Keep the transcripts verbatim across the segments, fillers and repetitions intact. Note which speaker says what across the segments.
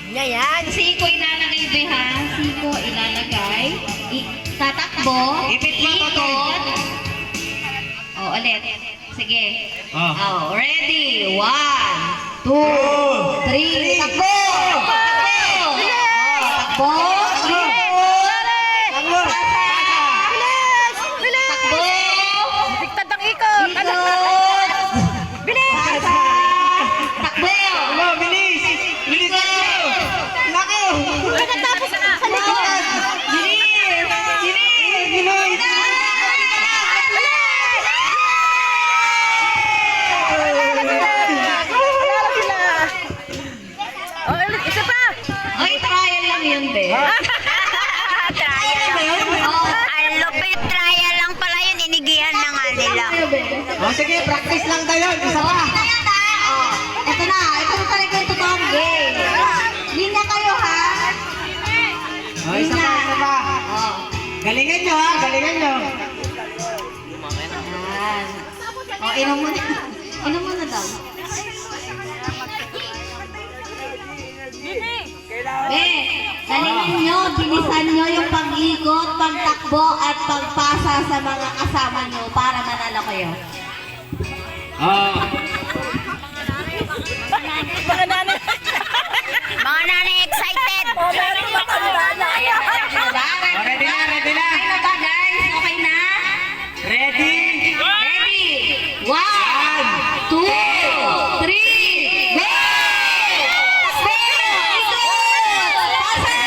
Speaker 1: Yan.
Speaker 2: Siko ilalagay ba ha? Siko ilalagay. I tatakbo.
Speaker 3: Ipit mo, Totoy.
Speaker 2: Oh, ulit. Sige.
Speaker 3: Oh.
Speaker 2: Oh, ready. One, two, three. Takbo! Takbo! Oh, takbo!
Speaker 3: Takbo!
Speaker 1: Bilis! Bilis!
Speaker 2: Takbo!
Speaker 1: Tiktad ang ikot!
Speaker 2: Ikot!
Speaker 1: Bilis!
Speaker 2: Takbo!
Speaker 3: Takbo, bilis! Bilis ako! Naku!
Speaker 1: Pagkatapos sa likod!
Speaker 2: Bilis! Bilis!
Speaker 3: Bilis!
Speaker 1: Lalo sila! Oh, isa pa!
Speaker 2: Ay, trial lang yun, be.
Speaker 4: Trial lang. Oh, ang lupit trial lang pala yun. Inigihan na nga nila.
Speaker 3: O sige, practice lang tayo. Isa pa.
Speaker 2: Oh, ito na. Ito na talaga yung totoong game. Linya kayo, ha?
Speaker 3: O, isa pa, isa pa.
Speaker 2: Oh.
Speaker 3: Galingan nyo ha, galingan nyo.
Speaker 2: Yan. Oh, inom muna. Inom muna daw. Be, galingan nyo, bilisan nyo yung pag-ikot, pagtakbo, at pagpasa sa mga kasama nyo para manalo kayo.
Speaker 3: Oh.
Speaker 1: Mga nanay!
Speaker 4: Mga nanay excited.
Speaker 1: Oh, meron matanda na!
Speaker 3: O, ready na, ready na.
Speaker 2: Okay na ba, guys? Okay na?
Speaker 3: Ready?
Speaker 2: Ready? One, two, three, go! Pasa!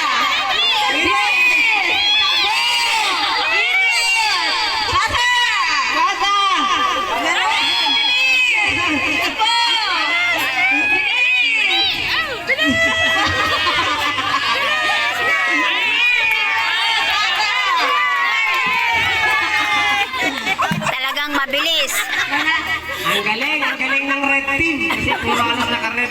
Speaker 2: Bilis! Takbo! Bilis! Pasa!
Speaker 3: Pasa!
Speaker 2: Bilis! Takbo!
Speaker 4: Talagang mabilis.
Speaker 3: Ang galing, ang galing ng red team. Kasi puro alas naka-red.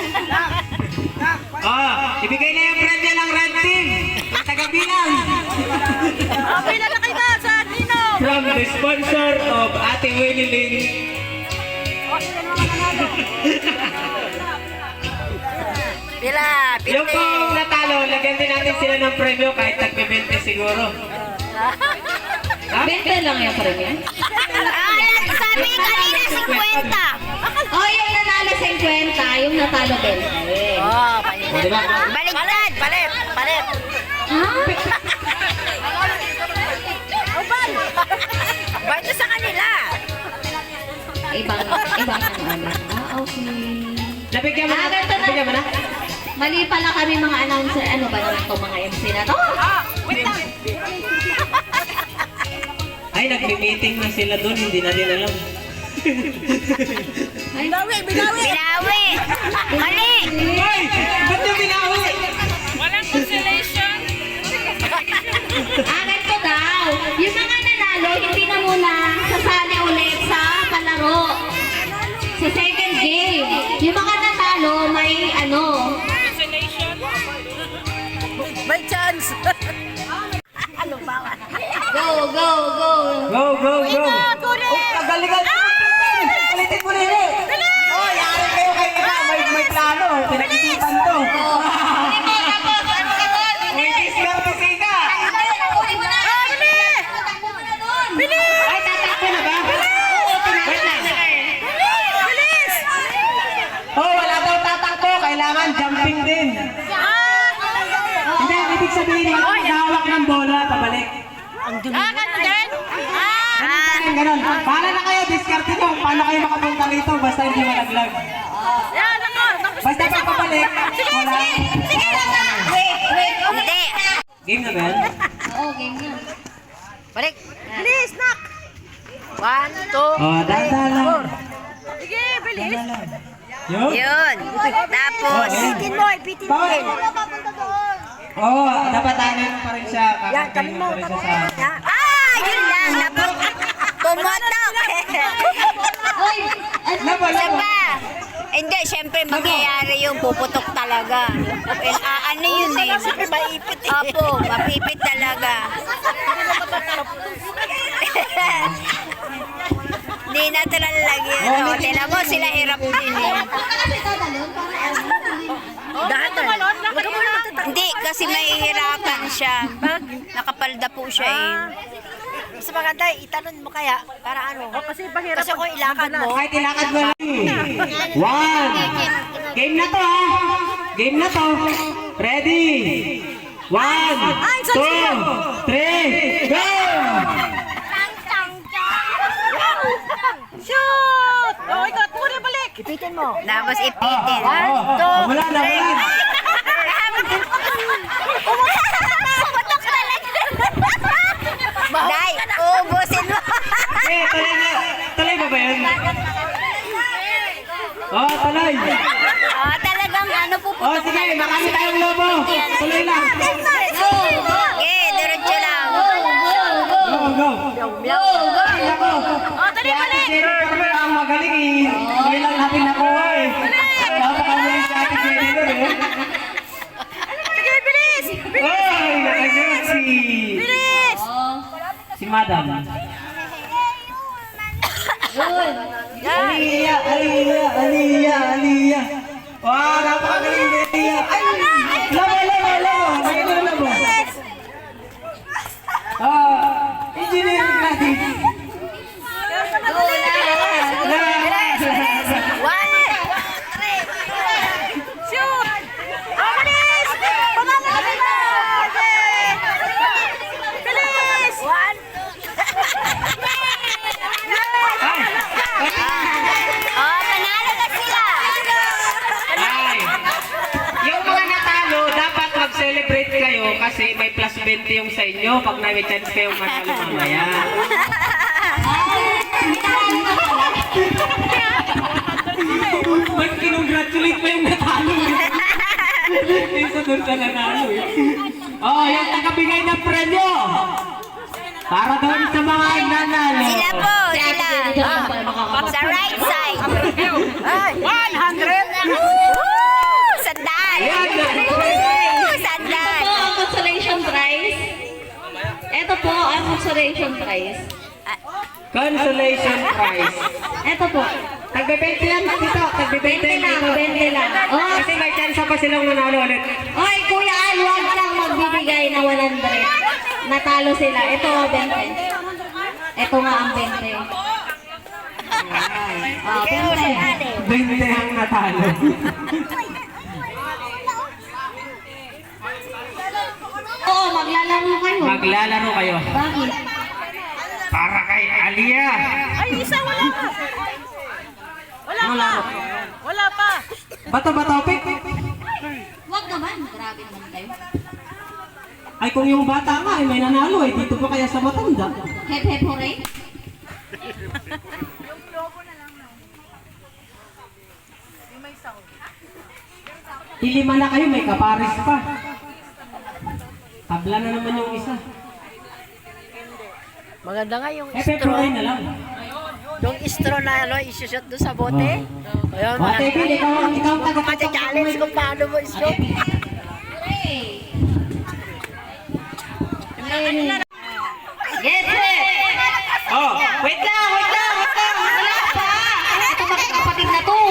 Speaker 3: Oh, ibigay na yung premyo ng red team. Ang tagabilang.
Speaker 1: Oh, pinalakay na sa Nino!
Speaker 3: From the sponsor of Ate Winnie Lynn.
Speaker 4: Pila,
Speaker 3: Yung pong natalo, lagyan din natin sila ng premyo kahit tagbe-bente siguro. Ha?
Speaker 2: Bente lang yung premium.
Speaker 4: Ah, sabi kanina fifty.
Speaker 2: Oh, yung nanalo fifty, yung natalo twenty.
Speaker 1: Oh,
Speaker 3: O, di ba?
Speaker 4: Baliktad.
Speaker 1: palit! Palit!
Speaker 2: Ha?
Speaker 1: Oh, ban! Ban sa kanila!
Speaker 2: Ibang, ibang ano. Ah, okay.
Speaker 3: Nabigyan mo na?
Speaker 2: Ah, ganito na.
Speaker 3: Nabigyan mo na?
Speaker 2: Mali pala kami mga announcer. Ano ba naman itong mga M C na to?
Speaker 1: Ah, wait lang!
Speaker 3: Ay, nagme-meeting na sila doon. Hindi na din alam.
Speaker 2: Ay,
Speaker 1: Binawi! Binawi!
Speaker 4: Binawi. Mali.
Speaker 3: Ay! Ba't yung binawi?
Speaker 2: ah, ganito daw. Yung mga nanalo, hindi na muna sasali ulit sa palaro. Sa second game. Yung mga nanalo, may ano.
Speaker 1: May chance! Ano ba?
Speaker 2: Go, go, go.
Speaker 3: Go, go, go!
Speaker 1: Kulit!
Speaker 3: Oh, kagalingan! Ulitin mo rin eh! Oh, yari kayo kayo na! May, may plano! Pinag-isipan to! May diskarte sika! Ay, tatakbo na ba? Wait lang!
Speaker 1: Bilis!
Speaker 3: Oh, wala daw tatakbo! Kailangan jumping din! Hindi, ibig sabihin yung maghahawak ng bola, pabalik.
Speaker 1: Ah, ganun din? Ah!
Speaker 3: Ganun, ganun. Paala na kayo, diskarte nyo. Paano kayo makapunta rito basta hindi malaglag.
Speaker 1: Yan, ako!
Speaker 3: Basta pag pabalik, wala.
Speaker 2: Wait, wait.
Speaker 4: Hindi.
Speaker 3: Game na ba yan?
Speaker 2: Oo, game na.
Speaker 1: Balik! Bilis, nak! One, two,
Speaker 3: Oh, dahan-dahan lang.
Speaker 1: sige, bilis!
Speaker 3: Dahan-dahan lang. Yun?
Speaker 4: Yun. Tapos,
Speaker 1: Ipitin mo, ipitin mo!
Speaker 3: Bawal. Oo, oh, dapat ano pa rin siya.
Speaker 1: Yan, kami
Speaker 3: Kakakainin
Speaker 1: mo,
Speaker 3: pa rin siya
Speaker 1: kami
Speaker 3: sa...
Speaker 1: Yan.
Speaker 4: ah, yun lang. Napu- Pumutok.
Speaker 2: Hoy,
Speaker 3: Labo,
Speaker 4: Isa
Speaker 3: labo.
Speaker 4: pa. Hindi, syempre mangyayari yung puputok talaga. Eh, ah, ano yun eh.
Speaker 1: Siyempre, maipit eh.
Speaker 4: Opo, mapipit talaga. Di natural lang yun. Oh, tila mo, sila hirap din eh.
Speaker 2: Baka kasi tatalon, para ano.
Speaker 1: Dahan
Speaker 4: kasi mahihirapan siya. Bag, nakapalda po siya eh.
Speaker 1: Mas maganda, itanong mo kaya para ano. Oh, kasi bahira. Kasi kung ilakad mo.
Speaker 3: Kahit ilakad mo lang. One. Game na to ha. Game na to. Ready. One, two, three, go!
Speaker 1: Shoot! Oh, ikaw, puri balik. Ipitin mo.
Speaker 4: Tapos ipitin.
Speaker 3: Oh, oh, oh. Wala na, wala na.
Speaker 4: Day, ubusin mo.
Speaker 3: Eh, tuloy na. Tuloy ba ba yun? Oh, tuloy.
Speaker 4: Oh, talagang ano po po.
Speaker 3: Oh, sige, marami tayong lobo. Tuloy lang.
Speaker 4: Okay, diretso lang.
Speaker 3: Go, go. Ay, ako.
Speaker 1: Oh, tuloy balik.
Speaker 3: Si Ate Jenny ang magaling eh. Tuloy lang natin nakuha eh. Napakagaling si Ate Jenny doon eh.
Speaker 1: Sige, bilis.
Speaker 3: Ay, nakagat si...
Speaker 1: Bilis.
Speaker 3: Si Madam. Aliyah, Aliyah, Aliyah, Aliyah. Wah, napakagaling ni Aliyah. Ay, labo, labo, labo. Mayroon na labo. Ah, engineering natin.
Speaker 1: Shoot. Oh, bilis. Pamamalit mo. Bilis. One.
Speaker 4: Oh, panalo na sila.
Speaker 3: Ay, yung mga natalo, dapat mag-celebrate kayo kasi may plus twenty yung sa inyo pag may chance kayong matalo mamaya. Ba't kinongratulate mo yung natalo? Isa doon sa nanalo eh. Oh, yung tagabigay ng premyo. Para doon sa mga nanalo.
Speaker 4: Sila po, sila. Oh, sa right side.
Speaker 1: Ay, one hundred.
Speaker 4: Woo! Sandal. Woo! Sandal.
Speaker 2: Ito po ang consolation prize. Ito po ang consolation prize.
Speaker 3: Consolation prize.
Speaker 2: Ito po.
Speaker 3: Tagbe-twenty lang dito. Tagbe-twenty
Speaker 2: twenty lang,
Speaker 3: dito.
Speaker 2: twenty lang. Oh,
Speaker 3: Kasi may chance pa silang manalo ulit.
Speaker 2: oy, Kuya Al, huwag kang magbibigay na one hundred. Natalo sila. Ito, twenty. Ito nga ang twenty. Oh, twenty.
Speaker 3: twenty ang natalo.
Speaker 2: Oo, maglalaro kayo.
Speaker 3: Maglalaro kayo.
Speaker 2: Bakit?
Speaker 3: Para kay Aliyah.
Speaker 1: Ay, isa wala pa. Wala pa. Wala pa.
Speaker 3: Bato ba topic?
Speaker 2: Huwag naman. Grabe naman kayo.
Speaker 3: Ay kung yung bata nga ay may nanalo eh. Dito pa kaya sa matanda.
Speaker 2: Hep hep hooray.
Speaker 3: Ilima na kayo, may kapares pa. Tabla na naman yung isa.
Speaker 1: Maganda nga yung
Speaker 3: Eh, February na lang.
Speaker 1: yung straw na ano, isusot doon sa bote.
Speaker 3: Oh.
Speaker 1: Ayun,
Speaker 3: O, Ate Bill, ikaw ang ikaw ang taga
Speaker 1: challenge kung paano mo straw.
Speaker 2: Get set!
Speaker 3: Oh, wait lang, wait lang, wait lang.
Speaker 2: Wala pa! Ito magkakapatid na to.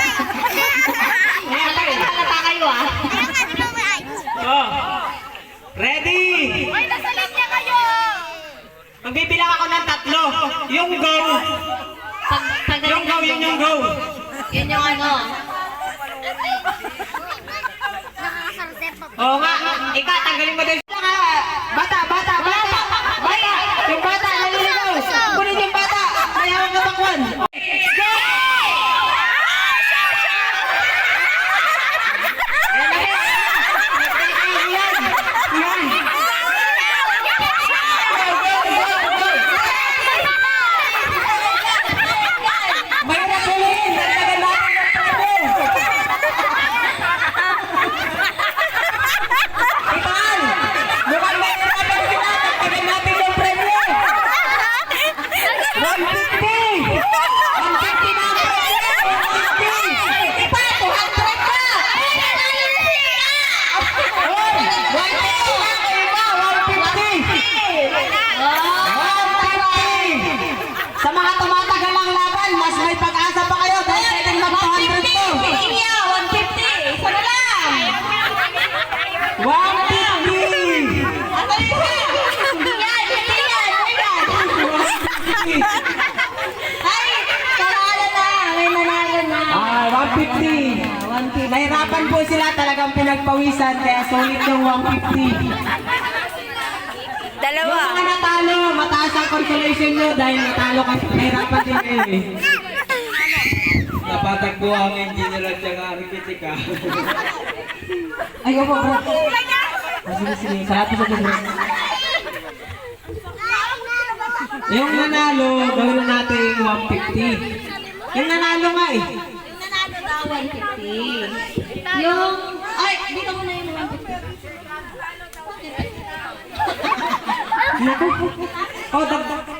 Speaker 2: Halata kayo ah.
Speaker 3: Oh. Ready?
Speaker 1: Ay, nasa linya kayo!
Speaker 3: Magbibilang ako ng tatlo. Yung go.
Speaker 2: Pag, pag
Speaker 3: Yung go, yun yung go.
Speaker 2: Yun yung ano.
Speaker 3: Oo nga. Ika, tanggalin mo din. Bata, bata, bata. Bata. Yung bata, naliligaw. Kunin yung bata. Mayawang katakwan. Go! Ayan na, ayan. Yan. Yan. Mahirap huliin. Dagdagan natin yung premyo. Itaan! Mukhang mahirapan sila. Dagdagan natin yung premyo. one fifty! one fifty na ang premyo. one fifty! Ipa, two hundred na! Hoy! one fifty na ang iba. one fifty! one fifty! Sa mga tumatagal ang laban, mas may pag-asa pa kayo dahil pwedeng mag two hundred to.
Speaker 2: Iya, one fifty. Isa na lang.
Speaker 3: one fifty! sila talagang pinagpawisan, kaya sulit yung one fifty.
Speaker 4: Dalawa.
Speaker 3: Yung mga natalo, mataas ang consolation nyo dahil natalo kasi nahirapan din kayo eh.
Speaker 5: Napatagpo ang engineer at saka arkitek ah.
Speaker 3: Ay, opo, bro. Ah, sige, sige. Salamat po sa Diyos. Yung nanalo, gawin natin one fifty. Yung nanalo nga eh.
Speaker 2: Nanalo daw one fifty. Yung, ay, dito mo na yung one fifty.
Speaker 3: Oh, dagdag.